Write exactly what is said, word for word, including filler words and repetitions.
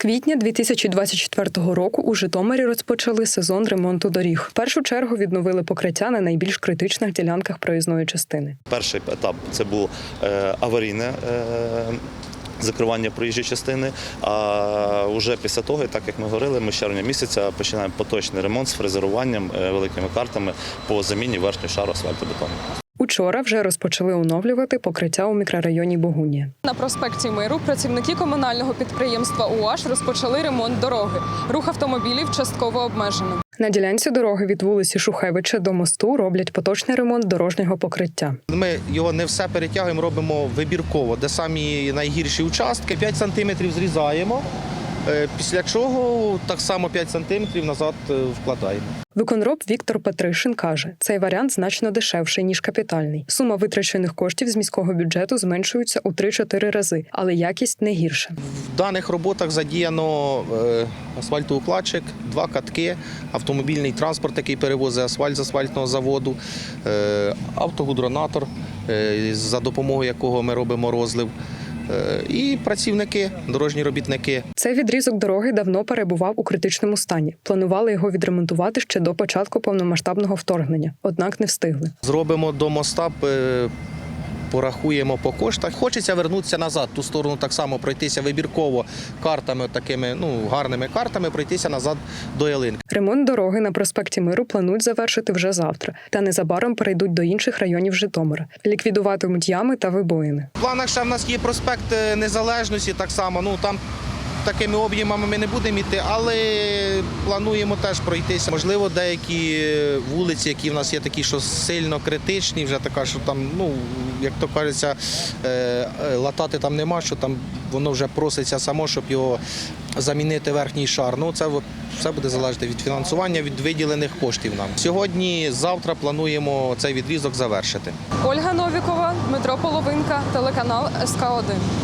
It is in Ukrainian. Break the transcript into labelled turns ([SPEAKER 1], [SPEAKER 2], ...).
[SPEAKER 1] квітня дві тисячі двадцять четвертого року у Житомирі розпочали сезон ремонту доріг. В першу чергу відновили покриття на найбільш критичних ділянках проїзної частини.
[SPEAKER 2] Перший етап – це був аварійне закривання проїжджої частини, а вже після того, так як ми говорили, ми з червня місяця починаємо поточний ремонт з фрезеруванням великими картами по заміні верхнього шару асфальтобетону.
[SPEAKER 1] Учора вже розпочали оновлювати покриття у мікрорайоні Богунія.
[SPEAKER 3] На проспекті Миру працівники комунального підприємства УАЖ розпочали ремонт дороги. Рух автомобілів частково обмежено.
[SPEAKER 1] На ділянці дороги від вулиці Шухевича до мосту роблять поточний ремонт дорожнього покриття.
[SPEAKER 4] Ми його не все перетягуємо, робимо вибірково, де самі найгірші участки. п'ять сантиметрів зрізаємо, після чого так само п'ять сантиметрів назад вкладаємо.
[SPEAKER 1] Виконроб Віктор Петришин каже, цей варіант значно дешевший, ніж капітальний. Сума витрачених коштів з міського бюджету зменшується у три-чотири рази, але якість не гірша.
[SPEAKER 4] В даних роботах задіяно асфальтоукладчик, два катки, автомобільний транспорт, який перевозить асфальт з асфальтного заводу, автогудронатор, за допомогою якого ми робимо розлив, і працівники, дорожні робітники.
[SPEAKER 1] Цей відрізок дороги давно перебував у критичному стані. Планували його відремонтувати ще до початку повномасштабного вторгнення, однак не встигли.
[SPEAKER 4] Зробимо до моста, порахуємо по коштах. Хочеться вернутися назад, ту сторону так само пройтися вибірково картами, такими ну гарними картами, пройтися назад до ялинки.
[SPEAKER 1] Ремонт дороги на проспекті Миру планують завершити вже завтра, та незабаром перейдуть до інших районів Житомира. Ліквідуватимуть ями та вибоїни.
[SPEAKER 4] В планах ще в нас є проспект Незалежності, так само, ну там такими об'ємами ми не будемо йти, але плануємо теж пройтися. Можливо, деякі вулиці, які в нас є такі, що сильно критичні, вже така, що там, ну, як то кажеться, латати там нема, що там воно вже проситься само, щоб його замінити верхній шар. Ну, це все буде залежати від фінансування, від виділених коштів нам. Сьогодні, завтра плануємо цей відрізок завершити.
[SPEAKER 3] Ольга Новікова, Дмитро Половинка, телеканал ес ка один.